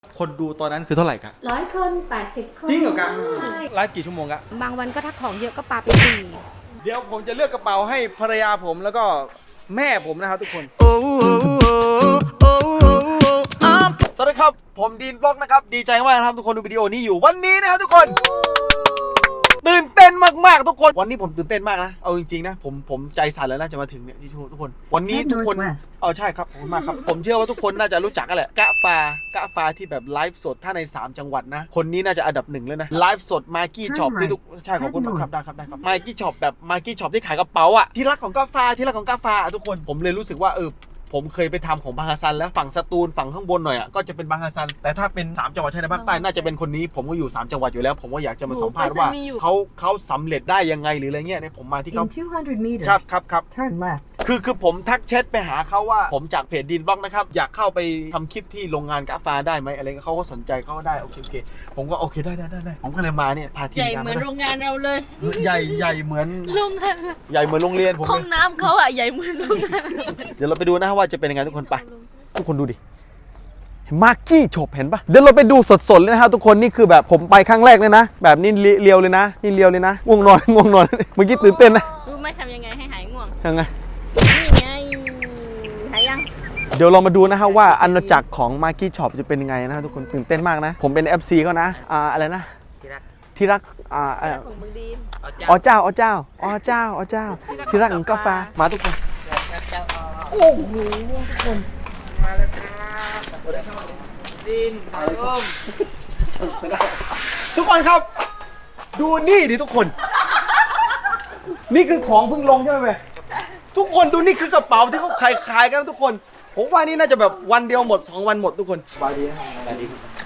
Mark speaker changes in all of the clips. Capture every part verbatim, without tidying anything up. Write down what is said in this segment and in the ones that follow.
Speaker 1: คนดูตอนนั้นคือเท่าไหร่ครับ
Speaker 2: ร้อยคนแปดสิบคน
Speaker 1: จริงเหรอครับ
Speaker 2: ใช่
Speaker 1: ไลฟ์กี่ชั่วโมงครับ
Speaker 2: บางวันก็ถ้าของเยอะก็ปาไปสี่
Speaker 1: เดี๋ยวผมจะเลือกกระเป๋าให้ภรรยาผมแล้วก็แม่ผมนะครับทุกคนสวัสดีครับผมดีนบล็อกนะครับดีใจมากนะครับทุกคนดูวิดีโอนี้อยู่วันนี้นะครับทุกคนตื่นเต้นมากๆทุกคนวันนี้ผมตื่นเต้นมากนะเอาจริงๆนะผมผมใจสั่นแล้วนะจะมาถึงเนี่ยที่ทุกคนวันนี้ทุกคนเออใช่ครับขอบคุณมากครับผมเชื่อว่าทุกคนน่าจะรู้จักกันแหละกะฟากะฟาที่แบบไลฟ์สดถ้าในสามจังหวัดนะคนนี้น่าจะอันดับหนึ่งเลยนะไลฟ์สดมากี้ช็อปที่ทุกใช่ขอบคุณครับได้ครับได้ครับมากี้ช็อปแบบมากี้ช็อปที่ขายกระเป๋าอ่ะที่รักของกะฟาที่รักของกะฟาทุกคนผมเลยรู้สึกว่าเออผมเคยไปทำของบางฮัสซันแล้วฝั่งสตูลฝั่งข้างบนหน่อยอ่ะก็จะเป็นบางฮัสซันแต่ถ้าเป็นสามจังหวัดชายแดนภาคใต้น่าจะเป็นคนนี้ผมก็อยู่สามจังหวัดอยู่แล้วผมก็อยากจะมาสัมภาษณ์ว่าเขาเขาสำเร็จได้ยังไงหรืออะไรเงี้ยเนี่ยผมมาที่เขาครับครับครับคือคือผมทักแชทไปหาเขาว่าผมจากเพจดีนบล็อกนะครับอยากเข้าไปทำคลิปที่โรงงานกาแฟได้ไหมอะไรเงี้ยเขาก็สนใจเขาก็ได้โอเคโอเคผมก็โอเคได้ได้ได้ได้ผมก็เลยมาเนี่ยพาทีม
Speaker 3: ใหญ่
Speaker 1: งาน
Speaker 3: เหมือนโรงงานเราเลย
Speaker 1: ใหญ่ใหญ่เหมือน
Speaker 3: โรงงาน
Speaker 1: ใหญ่เหมือนโรงเรียนผม
Speaker 3: ห้องน้ำเขาอะใหญ่เหมือนโรงงาน
Speaker 1: เดี๋ยวเราไปดูนะว่าจะเป็นยังไงทุกคนไปทุกคนดูดิมาร์กี้ช็อปเห็นปะเดี๋ยวเราไปดูสดๆเลยนะครับทุกคนนี่คือแบบผมไปครั้งแรกเลยนะแบบนี้เลียวเลยนะนี่เลียวเลยนะง่วงนอนง่วงนอนเมื่อกี้ตื่นเต้นนะ
Speaker 3: รู้ไหมทำยังไงให้หายง่วง
Speaker 1: ยังไง
Speaker 3: นี่ไงหายยัง
Speaker 1: เดี๋ยวเรามาดูนะฮะว่าอาณาจักรของมาร์กี้ช็อปจะเป็นยังไงนะทุกคนตื่นเต้นมากนะผมเป็น เอฟ ซี เขานะอ่าอะไรนะที่รักที่รักอ่า
Speaker 3: ของมึงดีน
Speaker 1: อ๋อเจ้าอ๋อเจ้าอ๋อเจ้าอ๋อเจ้าที่รักของกาแฟมาทุกคนโอ้โหทุกคนมาแล้วครับดินสายลมทุกคนครับดูนี่ดิทุกคน นี่คือของเพิ่งลงใช่ไหมเว้ยทุกคนดูนี่คือกระเป๋าที่เขาขายขายกันทุกคนผมว่านี่น่าจะแบบวันเดียวหมดสองวันหมดทุกคนบายดีนะบายดี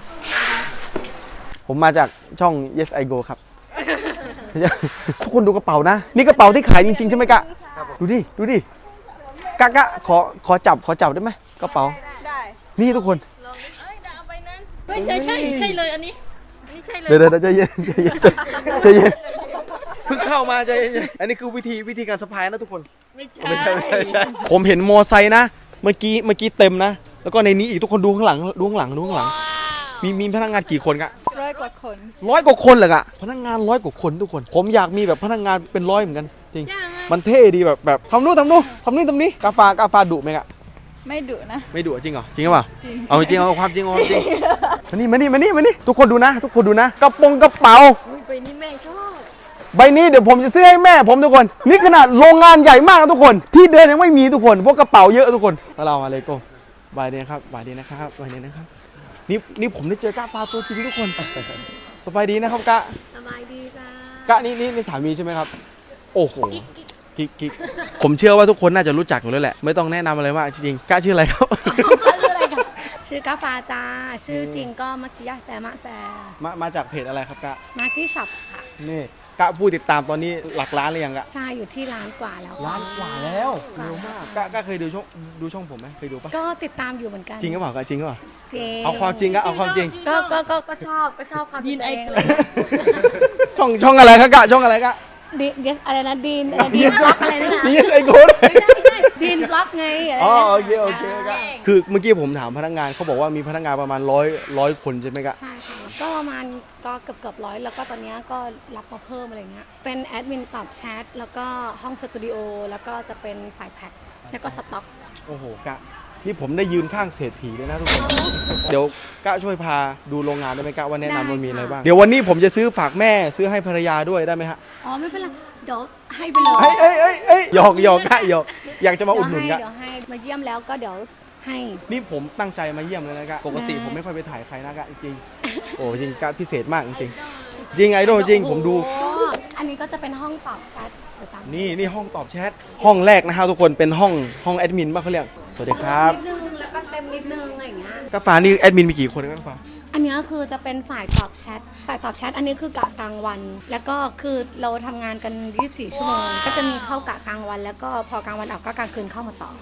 Speaker 1: ผมมาจากช่อง Yes I Go ครับ ทุกคนดูกระเป๋านะนี่กระเป๋าที่ขายจริงๆใช่ไหมกะดูดิดูดิกะกะขอขอจับขอจับได้ไหมกระเป๋าได้นี่ทุกคน
Speaker 3: ลองดิเอ้ยเอาไปนั้นเฮ้ยใช่ใช่ใช่เลยอันนี้อันนี้ใช่เลย
Speaker 1: เดี๋ยวเดี๋ยวใจเย็นใจเย็นใจเย็นเพิ่งเข้ามาใจเย็นอันนี้คือวิธีวิธีการสะพายนะทุกคนไม่ใช่ไม่ใช่ไม่ใช่ผมเห็นมอไซค์นะเมื่อกี้เมื่อกี้เต็มนะแล้วก็ในนี้อีกทุกคนดูข้างหลังดูข้างหลังดูข้างหลังมีมีพนักงานกี่คนกะ
Speaker 3: ร้อยกว่าคน
Speaker 1: ร้อยกว่าคนเหรอกะพนักงานร้อยกว่าคนทุกคนผมอยากมีแบบพนักงานเป็นร้อยเหมือนกันจริงมันเท่ดีแบบแบบทำนู่นทำนู่นทำนี่ทำนี่กาฟากาฟาดุไหมกะ
Speaker 3: ไม่ดุนะ
Speaker 1: ไม่ดุจริงเหรอจริงหรือเปล่าเอาจริงเอาความจริงเอาความจริงมานี่มานี่มานี่มานี่ทุกคนดูนะทุกคนดูนะกระโปรงกระเป๋า
Speaker 3: ใบนี้แม่ชอบ
Speaker 1: ใบนี้เดี๋ยวผมจะซื้อให้แม่ผมทุกคนนี่ขนาดโรงงานใหญ่มากทุกคนที่เดินยังไม่มีทุกคนพวกกระเป๋าเยอะทุกคนสลามอะลัยกุมบายดีนะครับบายดีนะครับบายดีนะครับนี่นี่ผมได้เจอกะฟาตัวจริงทุกคนสบายดีนะครับกะ
Speaker 2: สบายดีจ้
Speaker 1: ากะนี่นี่นี่สามีใช่ไหมครับโอ้โหกิ๊กกิ๊กผมเชื่อว่าทุกคนน่าจะรู้จักอยู่แล้วแหละไม่ต้องแนะนำอะไรมากจริงๆกะชื่ออะไรครับ
Speaker 2: ชื่ออะไรคะชื่อกาฟาจ้าชื่อจริงก็มักกิยาแซมะแซ
Speaker 1: มามาจากเพจอะไรครับกะ
Speaker 2: มาร์กี้ช็อปค่ะ
Speaker 1: นี่กะผู้ติดตามตอนนี้หลักล้านหรือยังกะ
Speaker 2: ใช่อยู่ที่ล้านกว่าแล้ว
Speaker 1: ล้านกว่าแล้วเร็วมากกะกะเคยดูช่องดูช่องผมไหมเคยดูปะ
Speaker 2: ก็ติดตามอยู่เหมือนกัน
Speaker 1: จริงหรือเปล่ากะจริงหรือเปล่า
Speaker 2: จริง
Speaker 1: เอาความจริงกะเอาความจริง
Speaker 2: ก็ก็ก็ก็ชอบก็ชอบความ
Speaker 3: ยินไอ
Speaker 2: เอง
Speaker 3: เก
Speaker 2: เล
Speaker 3: ล
Speaker 2: ย
Speaker 1: ช่องช่องอะไรครับกะช่องอะไรกะ
Speaker 2: ดีนอะไรนะดีนดีนบล็อกอะไรนั่นแหละ
Speaker 1: นี่ไอโก้
Speaker 2: ไม่ใช่ไม่ใช่ดีนบล็อกไง
Speaker 1: อ๋อโอเคโอเคกะคือเมื่อกี้ผมถามพนักงานเขาบอกว่ามีพนักงานประมาณร้อยร้อยคนใช่ไหมกะ
Speaker 2: ใช่ค่ะก็ประมาณก็เกือบเกือบร้อยแล้วก็ตอนนี้ก็รับมาเพิ่มอะไรเงี้ยเป็นแอดมินตอบแชทแล้วก็ห้องสตูดิโอแล้วก็จะเป็นฝ่ายแพ็คแล้วก็สต็อก
Speaker 1: โอ้โหกะนี่ผมได้ยืนข้างเศรษฐีเลยนะทุกคนเดี๋ยวกะช่วยพาดูโรงงานได้ไหมกะว่าแนะนำมันมีอะไรบ้างเดี๋ยววันนี้ผมจะซื้อฝากแม่ซื้อให้ภรรยาด้วยได้ไหมฮะ
Speaker 2: อ๋อไม่เป็นไรเดี๋ยวให้ไปเลย
Speaker 1: เอ้ยเอ้ยเอ้ยเอ้ยหยอกหยอกกะหยอกอยากจะมาอุดหนุนกะ
Speaker 2: เดี๋ยวให้มาเยี่ยมแล้วก็เดี๋ยวให้
Speaker 1: นี่ผมตั้งใจมาเยี่ยมเลยนะกะปกติผมไม่ค่อยไปถ่ายใครนะกะจริงโอ้จริงกะพิเศษมากจริงจริงไอดอลจริงผมดู
Speaker 2: อันนี้ก็จะเป็นห้องตอบแชท
Speaker 1: นี่นี่ห้องตอบแชทห้องแรกนะครับทุกคนเป็นห้องห้องแอดมินป่ะเขาเรียกสวัสดีครับ
Speaker 2: นิดนึงแล้วก็เต็มนิดนึงอะไรอย่างเงี้ย
Speaker 1: กาแฟนี่แอดมินมีกี่คนกาแฟ
Speaker 2: อันนี้คือจะเป็นฝ่ายตอบแชทฝ่ายตอบแชทอันนี้คือกะกลางวัน แล้วก็คือเราทำงานกันยี่สิบสี่ชั่วโมงก็จะมีเข้ากะกลางวันแล้วก็พอกลางวันออกก็กลางคืนเข้ามาต่อ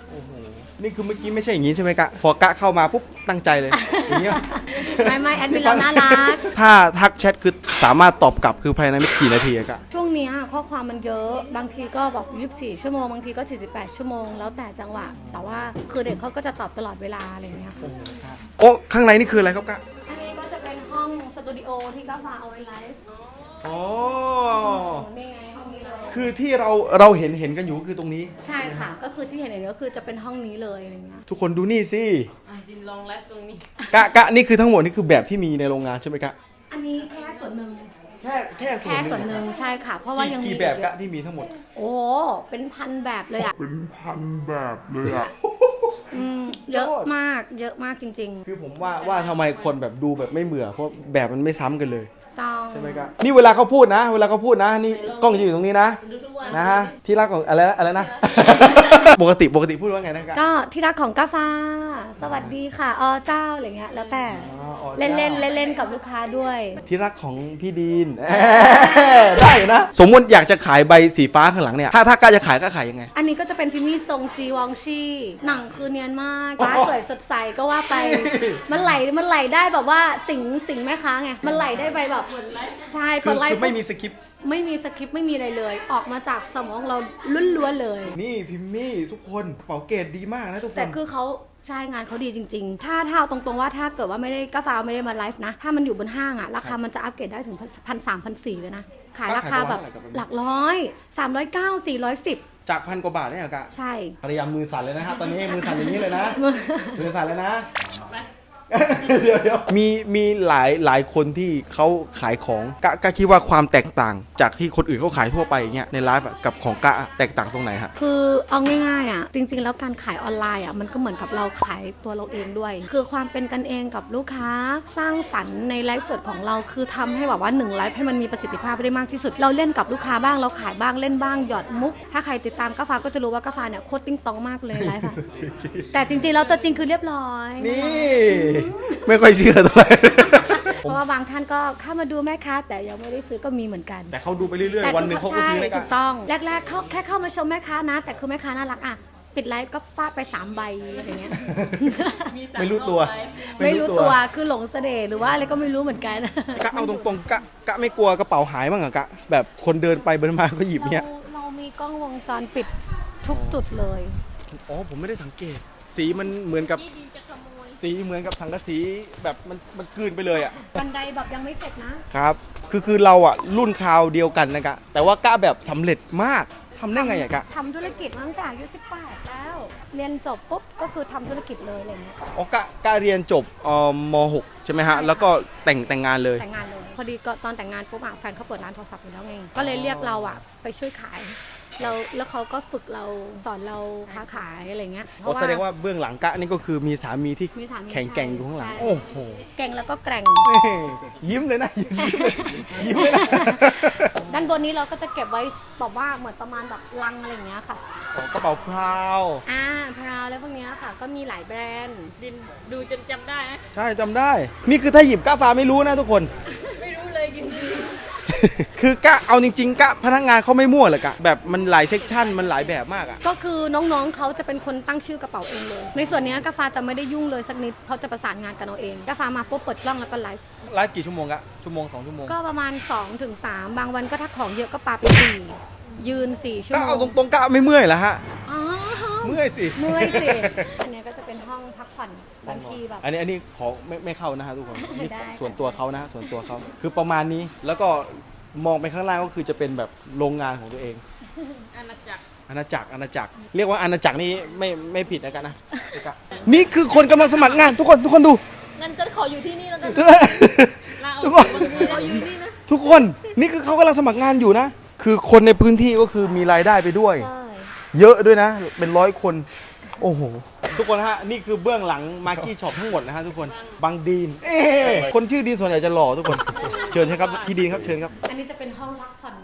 Speaker 1: โอ้โหนี่คือเมื่อกี้ไม่ใช่อย่างนี้ใช่ไหมกะพอกะเข้ามาปุ๊บตั้งใจเลยอย่างเงี้ย
Speaker 2: ไม่ไม่แอดมินเราน่ารัก
Speaker 1: ถ้าทักแชทคือสามารถตอบกลับคือภายในไม่กี่นาทีอะกะ
Speaker 2: ช่วงเนี้ยข้อความมันเยอะบางทีก็บอกยี่สิบสี่ชั่วโมงบางทีก็สี่สิบแปดชั่วโมงแล้วแต่จังหวะแต่ว่าคือเด็กเขาก็จะตอบตลอดเวลาอะไรอย่างเงี้ยค่ะ
Speaker 1: โอ้ข้างในนี่คืออะไรครับกะ
Speaker 2: อันนี้ก็จะเป็นห้องสตูดิโอที่ก้าฟ้าเอาไว้ไลฟ์
Speaker 1: อ๋อ
Speaker 2: นี่ไงห้องนี้เลย
Speaker 1: คือที่เราเราเห็นเห็นกันอยู่ก็คือตรงนี้
Speaker 2: ใช่ค่ะ ก็คือที่เห็นอย่างนี้ก็คือจะเป็นห้องนี้เลยอะไรเงี้ย
Speaker 1: ทุกคนดูนี่สิ
Speaker 3: อ่ะดินลองไลฟ์ตรงนี้
Speaker 1: กะกะนี่คือทั้งหมดนี่คือแบบที่มีในโรงงานใช่ไหมกะ
Speaker 2: อันนี้แค่ส่วนหนึ่ง
Speaker 1: แค่แค่ส่วน
Speaker 2: แค่
Speaker 1: หนึ่ง
Speaker 2: ส่วนหนึ่งใช่ค่ะ เพราะว่ายังมี
Speaker 1: กี่แบบ
Speaker 2: อี
Speaker 1: กะ
Speaker 2: เยอ
Speaker 1: ที่มีทั้งหมด
Speaker 2: โอ้เป็นพันแบบเลยอ่ะ
Speaker 4: เป็นพันแบบเลยอ่ะ
Speaker 2: อืมเยอะมากเยอะมากจริง
Speaker 1: คือผมว่าว่าทำไมคนแบบดูแบบไม่เบื่อเพราะแบบมันไม่ซ้ำกันเลย
Speaker 2: ๆต้อง
Speaker 1: ใช่ไหมครับนี่เวลาเขาพูดนะ เวลาเขาพูดนะนี่กล้องจะอยู่ตรงนี้นะ
Speaker 3: ดูทุกวัน
Speaker 1: นะฮะที่รักของอะไรนะอะไรนะ ปกติปกติพูดว่าไงนะครับ
Speaker 2: ก็ที่รักของก้าฟ้า สวัสดีค่ะอเจ้าอะไรเงี้ยแล้วแต่
Speaker 1: อ๋ออ๋อ
Speaker 2: เล่นเล่นเล่นเล่นๆกับลูกค้าด้วย
Speaker 1: ที่รักของพี่ดีน ได้นะ สมมติอยากจะขายใบสีฟ้าข้างหลังเนี่ยถ้าถ้ากล้าจะขายก็ขายยังไง
Speaker 2: อันนี้ก็จะเป็นพิมมี่ทรงจีวองชีหนังคือเนียนมากฟ้าสวยสดใสก็ว่าไป มันไหลมันไหลได้แบบว่าสิงสิงแม่ค้าไงมันไหลได้ไปแบบใช่
Speaker 1: คื
Speaker 2: ก
Speaker 1: อ
Speaker 2: ดไล
Speaker 1: คื
Speaker 2: ค์
Speaker 1: อไม่มีสคริปต์
Speaker 2: ไม่มีสคริปต์ไม่มีอะไรเลย ออกมาจากสมองเราล้วนๆเลย
Speaker 1: นี่พิมมี่ทุกคนเป๋าเกรดดีมากนะทุกคน
Speaker 2: แต่คือเขาใช่งานเขาดีจริง ๆ ถ้าถ้าเอาตรงๆว่าถ้าเกิดว่าไม่ได้กาฟ้าไม่ได้มาไลฟ์นะ ถ้ามันอยู่บนห้างอะราคามันจะอัปเกรดได้ถึงพันสามพันสี่เลยนะ ขายราคาแบบหลักร้อยสามร้อยเก้าสี่ร้อยสิบ
Speaker 1: จากพันกว่าบาทเนี่ยเหรอกะ
Speaker 2: ใช่
Speaker 1: ภรรยามือสั่นเลยนะครับตอนนี้มือสั่นอย่างนี้เลยนะ มือสั่นเลยนะ
Speaker 3: ไป
Speaker 1: เดี๋ยวเดี๋ยวมีมีหลายหลายคนที่เขาขายของกะกะคิดว่าความแตกต่างจากที่คนอื่นเขาขายทั่วไปอย่างเงี้ยในไลฟ์อะกับของกะอะแตกต่างตรงไหนฮะ
Speaker 2: คือเอาง่ายๆอ่ะจริงๆแล้วการขายออนไลน์อ่ะมันก็เหมือนกับเราขายตัวเราเองด้วย คือความเป็นกันเองกับลูกค้าสร้างสรรค์ในไลฟ์สดของเราคือทำให้แบบว่าหนึ่งไลฟ์ให้มันมีประสิทธิภาพได้มากที่สุด เราเล่นกับลูกค้าบ้างเราขายบ้างเล่นบ้างหยอดมุก ถ้าใครติดตามกาฟ้าก็จะรู้ว่ากาฟ้าเนี่ยโคตรติ้งตองมากเลยไลฟ์อะ แต่จริงๆแล้วตัวจริงคือเรียบร้อย
Speaker 1: นี่ ไม่ค่อยเชื่อเท่าไหร่
Speaker 2: เพราะว่าบางท่านก็เข้ามาดูแม่ค้าแต่ยังไม่ได้ซื้อก็มีเหมือนกัน
Speaker 1: แต่เขาดูไปเรื่อย
Speaker 2: แต่
Speaker 1: ๆ วันหนึ่งเขาก็ซื้อ
Speaker 2: ใช่
Speaker 1: เลย
Speaker 2: ถู
Speaker 1: กะ
Speaker 2: กต้องแรกๆเขาแค่เข้ามาชมแม่ค้านะ แต่คือแม่ค้าน่ารักอ่ะปิดไลฟ์ก็ฟาดไปสามใบอะไรเงี้ย
Speaker 3: มีสา
Speaker 1: ไม่รู้ตัว
Speaker 3: ไลฟ์
Speaker 2: ไม่รู้ตัวคือหลงเสน่ห์หรือว่าอะไรก็ไม่รู้เหมือนกัน
Speaker 1: กะเอาตรงๆกะกะไม่กลัวกระเป๋าหายบ้างเหรอกะแบบคนเดินไปเดินมาก็หยิบเนี่ย
Speaker 2: เราเรามีกล้องวงจรปิดทุกจุดเลย
Speaker 1: อ๋อผมไม่ได้สังเกต สีมันเหมือนกับ
Speaker 3: ที่ดินจะขโมย
Speaker 1: สีเหมือนกับสังกะสีแบบมันมันกลืนไปเลยอ่ะ
Speaker 2: บันไดแบบยังไม่เสร็จนะ
Speaker 1: ครับ คือคือเราอ่ะรุ่นคราวเดียวกันนะกะ แต่ว่ากะแบบสำเร็จมากทำได้ไงอะกะ
Speaker 2: ทำธุรกิจมาตั้งแต่อายุสิบแปดแล้ว เรียนจบปุ๊บก็คือทำธุรกิจเลยอะไรเงี้ย
Speaker 1: อ๋อกะกะเรียนจบเอ่อม หก ใช่ไหมฮะ แล้วก็แต่งแต่งงานเลย
Speaker 2: แต่งงานเลย พอดีก็ตอนแต่งงานปุ๊บอ่ะแฟนเขาเปิดร้านโทรศัพท์อยู่แล้วไง ก็เลยเรียกเราอ่ะไปช่วยขาย เราแล้วเขาก็ฝึกเราสอนเราค้าขายอะไรเงี้ย
Speaker 1: อ๋อแสดงว่าเบื้องหลังกะนี่ก็คือมีสามีที่
Speaker 2: มีสามี
Speaker 1: แข็งแกร่งอยู่ข้างหลัง
Speaker 2: ใช่
Speaker 1: โอ้โห
Speaker 2: เก่งแล้วก็แกร่ง
Speaker 1: ยิ้มเลยนะยิ้มเลยยิ้มเลยนะ
Speaker 2: ด้านบนนี้เราก็จะเก็บไว้แบบว่าเหมือนประมาณแบบลังอะไรอย่างเงี้ยค่ะ
Speaker 1: อ๋อกระเป๋าพราว
Speaker 2: อ่าพราวแล้วพวกเนี้ยค่ะ ก็มีหลายแบรนด์
Speaker 3: ดินดูจนจำได้นะ
Speaker 1: ใช่จำได้ นี่คือถ้าหยิบกะฟ้าไม่รู้นะทุกคน
Speaker 3: ไม่รู้เลยดินดู
Speaker 1: คือกะเอาจริงๆกะพนักงานเขาไม่มั่วเลยกะแบบมันหลายเซกชันมันหลายแบบมากอะ
Speaker 2: ก็คือน้องๆเขาจะเป็นคนตั้งชื่อกระเป๋าเองเลย ในส่วนเนี้ยกาฟ้าจะไม่ได้ยุ่งเลยสักนิดเขาจะประสานงานกันเอาเองกาฟ้ามาปุ๊บเปิดกล้องแล้วก็ไลฟ์
Speaker 1: ไลฟ์กี่ชั่วโมงกะชั่วโมงสองชั่วโมง
Speaker 2: ก็ประมาณ2-3ถึงบางวันก็ถ้าของเยอะก็ปาไปสี่ยืนสี่ชั่ว
Speaker 1: ก็
Speaker 2: โม
Speaker 1: เอา
Speaker 2: ง
Speaker 1: ตรงๆกะไม่เมื่อยเหรอฮะ
Speaker 2: อ๋อ
Speaker 1: เมื่อยสิ
Speaker 2: เมื่อยสิอันเนี้ยก็จะเป็นห้องพักผ่อนบางทีแบบ
Speaker 1: อันนี้อันนี้ขอไม่ไม่เข้านะฮะทุกคนนี่
Speaker 2: ได้
Speaker 1: ส่วนตัวเขานะฮะส่วนตัวเขาคือประมาณนี้แล้วก็มองไปข้างล่างก็คือจะเป็นแบบโรงงานของตัวเอง
Speaker 3: อาณาจักร
Speaker 1: อาณาจักรอาณาจักรเรียกว่าอาณาจักรนี่ไม่ไม่ผิดนะกันนะนี่คือคนกำลังสมัครงานทุกคนทุกคนดู
Speaker 3: งั้นก็ขออยู่ที่นี่แล้วกันลาออก
Speaker 1: ทุกคน
Speaker 3: ขออยู่ที่นี่นะ
Speaker 1: ทุกคนนี่คือเขากำลังสมัครงานอยู่นะ คือคนในพื้นที่ก็คือมีรายได้ไปด้วย
Speaker 2: ใช่
Speaker 1: เยอะด้วยนะ เป็นร้อยคน โอ้โห ทุกคนฮะ นี่คือเบื้องหลังมาร์กี้ช็อปทั้งหมดนะฮะทุกคน บางดีน เอ๊ะคนชื่อดีนส่วนใหญ่จะหล่อทุกคน เชิญใช่ครับ พี่ดีนครับ เชิญครับ
Speaker 2: อันนี้จะเป็นห้องพักผ่อน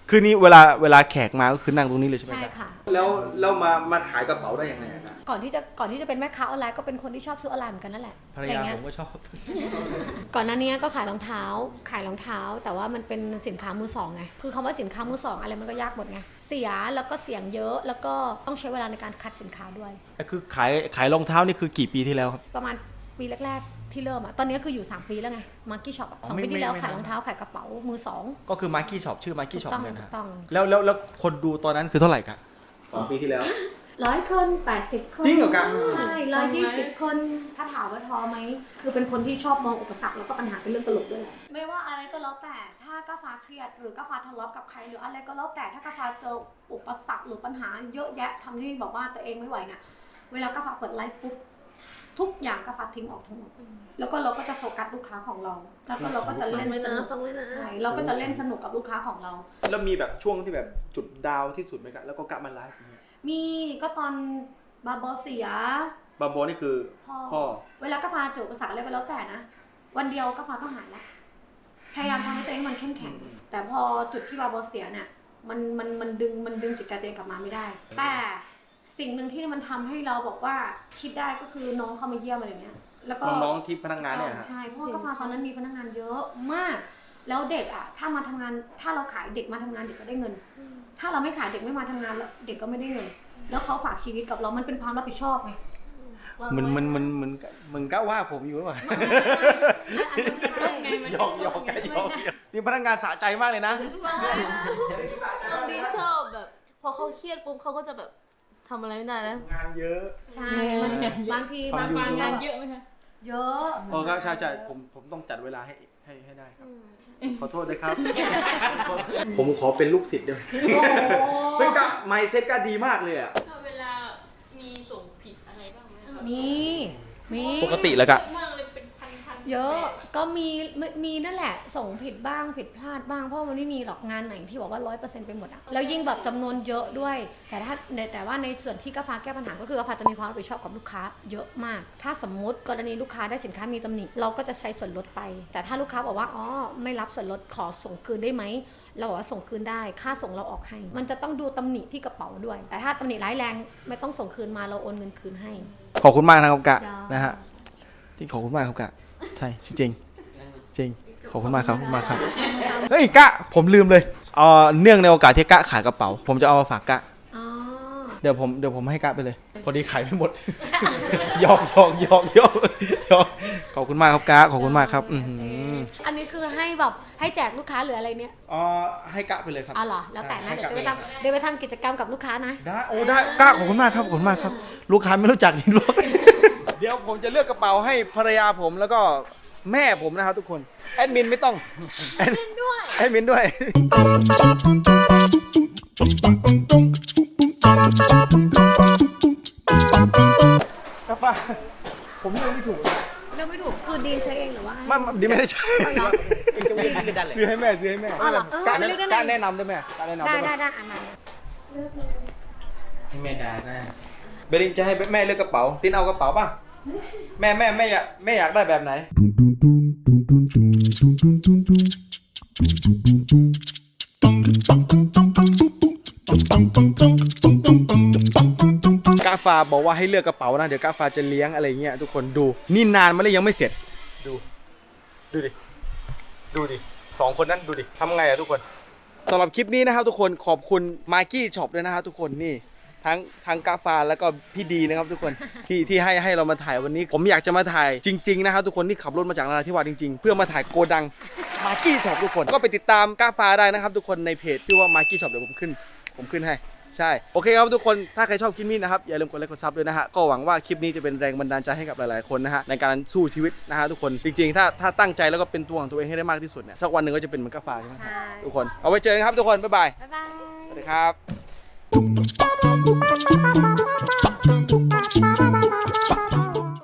Speaker 1: คือนี่เวลาเวลาแขกมาก็คือนั่งตรงนี้เลยใช่ไหม
Speaker 2: ใช่
Speaker 1: ครับ
Speaker 2: ค่ะ
Speaker 1: แล้วแล้วมามาขายกระเป๋าได้ยังไงครับ
Speaker 2: ก่อนที่จะก่อนที่จะเป็นแม่ค้าออนไลน์ก็เป็นคนที่ชอบซื้อออนไลน์เหมือนกันนั่นแหละ
Speaker 1: ภรร
Speaker 2: อะไร
Speaker 1: ยา
Speaker 2: เงี้
Speaker 1: ผ
Speaker 2: ย
Speaker 1: มก็ชอบ
Speaker 2: ก่อนหน้านี้ก็ขายรองเท้า ขายรองเท้า แต่ว่ามันเป็นสินค้ามือสองไง คือคำว่าสินค้ามือสองอะไรมันก็ยากหมดไง เสียแล้วก็เสียงเยอะ แล้วก็ต้องใช้เวลาในการคัดสินค้าด้วย
Speaker 1: คือขายขายรองเท้านี่คือกี่ปีที่แล้วครับ
Speaker 2: ประมาณปีแรกๆที่เริ่มอะตอนนี้คืออยู่สามปีแล้วไง มาร์กี้ช็อป
Speaker 1: อ๋อ
Speaker 2: สอง
Speaker 1: ไม่
Speaker 2: ปีที่แล้ว
Speaker 1: ไม่
Speaker 2: ขายรองเท้าขายกระเป๋ามือสอง
Speaker 1: ก็คือมาร์กี้ช็อปชื่อมาร์กี้ช็อป
Speaker 2: ถูกต้อง
Speaker 1: เหมือนกัน
Speaker 2: ถูกต้อง
Speaker 1: แล้วแล้วแล้วคนดูตอนนั้นคือเท่าไหร่ครับสองปีที่แล้ว
Speaker 2: ร้อยคนแปดสิบคน
Speaker 1: จริงเหรอครับ
Speaker 2: ใช่ร้อยยี่สิบคน ถ้าถามว่าท้อไหม คือเป็นคนที่ชอบมองอุปสรรคแล้วก็ปัญหาเป็นเรื่องตลกด้วยแหละ ไม่ว่าอะไรก็แล้วแต่ ถ้ากาฟ้าเครียดหรือกาฟ้าทะเลาะกับใครหรืออะไรก็แล้วแต่ ถ้ากาฟ้าเจออุปสรรคหรือปัญหาเยอะแยะทำให้บอกว่าตัวเองไม่ไหวเนี่ย เวลากาฟ้าเปิดไลฟ์ปุ๊บ ทุกอย่างกาฟ้าทิ้งออกทั้งหมด แล้วก็เราก็จะโฟกัสลูกค้าของเรา แล้วก็เราก็จะเล่นสนุกใช่ เราก็จะเล่นสนุกกับลูกค้าของเรา
Speaker 1: แล้วมีแบบช่วงที่แบบจุดดาวที่สุดไหมครับแล้วก็กลับมาไลฟ์อย่างเงี้ย
Speaker 2: มีก็ตอนบาโบเสีย
Speaker 1: บาโบนี่คือ
Speaker 2: พ่อ
Speaker 1: พ่อ
Speaker 2: เวลากาแฟเจออุปสรรคอะไรไปแล้วแต่นะ วันเดียวกาแฟก็หายแล้วพยายามทำให้ตัวเองมันเข้มแข็ง แต่พอจุดที่บาโบเสียเนี่ยมันมันมันดึงมันดึงจิตใจตัวเองกลับมาไม่ได้ แต่สิ่งหนึ่งที่มันทำให้เราบอกว่าคิดได้ก็คือน้องเขามาเยี่ยมอะไรเงี้ยแล้วก็
Speaker 1: น้องๆที่พนักงานเนี่ยฮะ
Speaker 2: ใช่เพราะว่ากาแฟตอนนั้นมีพนักงานเยอะมาก แล้วเด็กอ่ะถ้ามาทำงานถ้าเราขายเด็กมาทำงานเด็กก็ได้เงิน ถ้าเราไม่ขายเด็กไม่มาทำงานแล้วเด็กก็ไม่ได้เงิน แล้วเขาฝากชีวิตกับเรามันเป็นความรับผิดชอบไง
Speaker 1: มันมันมันมันมึงก็ว่าผมอยู่หรือเปล่า หยอกหยอกกันหยอกนี่พนักงานสะใจมากเลยนะ
Speaker 3: น้องดีชอบแบบ พอเขาเครียดปุ๊บเขาก็จะแบบทำอะไรไม่ได้แล้ว
Speaker 1: งานเยอะ
Speaker 2: ใช่มันบางที
Speaker 1: ทำ
Speaker 2: บาง
Speaker 1: อยู่
Speaker 2: บาง
Speaker 3: งาน
Speaker 2: เย
Speaker 3: เย
Speaker 2: อะ
Speaker 3: อะไหมคะ
Speaker 2: เยอะ
Speaker 1: โอ้ครับใช่ใช่ผมผมต้องจัดเวลาให้ให้ให้ได้ครับ ขอโทษด้วยครับ ผมขอเป็นลูกศิษย์เดียว
Speaker 2: โอ้โห
Speaker 1: เป็นกะไมเซ็ตก็ดีมากเลยอ่ะ
Speaker 3: เวลามีส่งผิดอะไรบ้างไหมคะ
Speaker 2: มีมี
Speaker 1: ปกติแล้วกะ
Speaker 3: เยอะมากเลยเป็นพันพัน
Speaker 2: เยอะก็มีมีนั่นแหละ ส่งผิดบ้างผิดพลาดบ้างเพราะมันไม่มีหรอกงานไหนที่บอกว่าร้อยเปอร์เซ็นต์ไปหมดอะแล้วยิ่งแบบจำนวนเยอะด้วย แต่ถ้าแต่ว่าในส่วนที่กาฟ้าแก้ปัญหาก็คือกาฟ้าจะมีความรับผิดชอบกับลูกค้าเยอะมาก ถ้าสมมุติกรณีลูกค้าได้สินค้ามีตำหนิเราก็จะใช้ส่วนลดไป แต่ถ้าลูกค้าบอกว่าอ๋อไม่รับส่วนลดขอส่งคืนได้ไหมเราบอกว่าส่งคืนได้ค่าส่งเราออกให้ มันจะต้องดูตำหนิที่กระเป๋าด้วย แต่ถ้าตำหนิร้ายแรงไม่ต้องส่งคืนมาเราโอนเงินคืนให้
Speaker 1: ขอบคุณมากนะครับกะ
Speaker 2: จ้าน
Speaker 1: นะฮะจริงขอบคุณมากครับกะใช่จริงจริงจริงขอบคุณมากครับขอบคุณมากครับเฮ้ยกะผมลืมเลยเอ่อเนื่องในโอกาสที่กะขายกระเป๋า ผมจะเอามาฝากกะ
Speaker 2: อ๋อ
Speaker 1: เดี๋ยวผมเดี๋ยวผมให้กะไปเลย พอดีขายไม่หมด หยอกหยอกหยอกหยอกหยอกขอบคุณมากครับกะขอบคุณมากครับอือหือ
Speaker 2: อันนี้คือให้แบบให้แจกลูกค้าหรืออะไรเนี่ย
Speaker 1: อ๋อให้กะไปเลยครับ
Speaker 2: อ๋อเหรอแล้วแต่นะ
Speaker 1: ให้
Speaker 2: เดี๋ยว
Speaker 1: กะ
Speaker 2: ไปทำเดี๋ยวไปทำกิจกรรมกับลูกค้านะ
Speaker 1: ได้โอ้ได้กะขอบคุณมากครับขอบคุณมากครับ ลูกค้าไม่รู้จักนี่หรอก เดี๋ยวผมจะเลือกกระเป๋าให้ภรรยาผมแล้วก็แม่ผมนะครับทุกคนแอดมินไม่ต้องแอดมินด้วยแอดมินด้วยกระเป๋าผมเลือกไม่ถูก
Speaker 2: เลือกไม่ถูกคือดีใช้เองหรือว่าให้
Speaker 1: ไม่ดีไม่ได้ใช่
Speaker 2: อ๋อเหรอ
Speaker 1: ซื้อให้แม่ซื้อให้แม่
Speaker 2: อ๋อเหรอเออ
Speaker 1: การ
Speaker 2: เลือกได้ไหม
Speaker 1: การแนะนำได้ไหมการแนะนำ
Speaker 2: ได้
Speaker 1: ได้ไหม
Speaker 2: ได้ได้อันนั้น
Speaker 5: ไม่ได้นะ
Speaker 1: เบลินจะให้แม่เลือกกระเป๋าตินเอากระเป๋าป่ะแม่แม่แม่อยากแม่อยากได้แบบไหนกาฟาบอกว่าให้เลือกกระเป๋านะเดี๋ยวกาฟาจะเลี้ยงอะไรเงี้ยทุกคนดูนี่นานมาแล้วยังไม่เสร็จดูดูดิดูดิสองคนนั้นดูดิทำไงอะทุกคนสำหรับคลิปนี้นะครับทุกคนขอบคุณมาร์กี้ช็อปด้วยนะครับทุกคนนี่ทั้งทั้งกาฟาแล้วก็พี่ดีนะครับทุกคนที่ที่ให้ให้เรามาถ่ายวันนี้ ผมอยากจะมาถ่ายจริงๆนะครับทุกคนที่ขับรถมาจากนราธิวาสจริงๆ เพื่อมาถ่ายโกดังมาร์กี้ช็อปทุกคนก็ไปติดตามกาฟาได้นะครับทุกคนในเพจที่ว่ามาร์กี้ช็อปเดี๋ยวผมขึ้นผมขึ้นให้ใช่โอเคครับทุกคนถ้าใครชอบคลิปนี้นะครับอย่าลืมกดไลค์กดซับด้วยนะฮะก็หวังว่าคลิปนี้จะเป็นแรงบันดาลใจให้กับหลายๆคนนะฮะในการสู้ชีวิตนะฮะทุกคนจริงๆถ้าถ้าตั้งใจแล้วก็เป็นตัวของตัวเองให้ได้มากที่สุดเนี่ยสักวันหนึ่งก็จะเป็นเหมือนกาฟาใช่ไหม
Speaker 2: ใช่
Speaker 1: ทุกคนเอาไว้เจอกันครับทุกคนบ๊ายบาย
Speaker 2: บ๊ายบาย
Speaker 1: สวัสดีครับ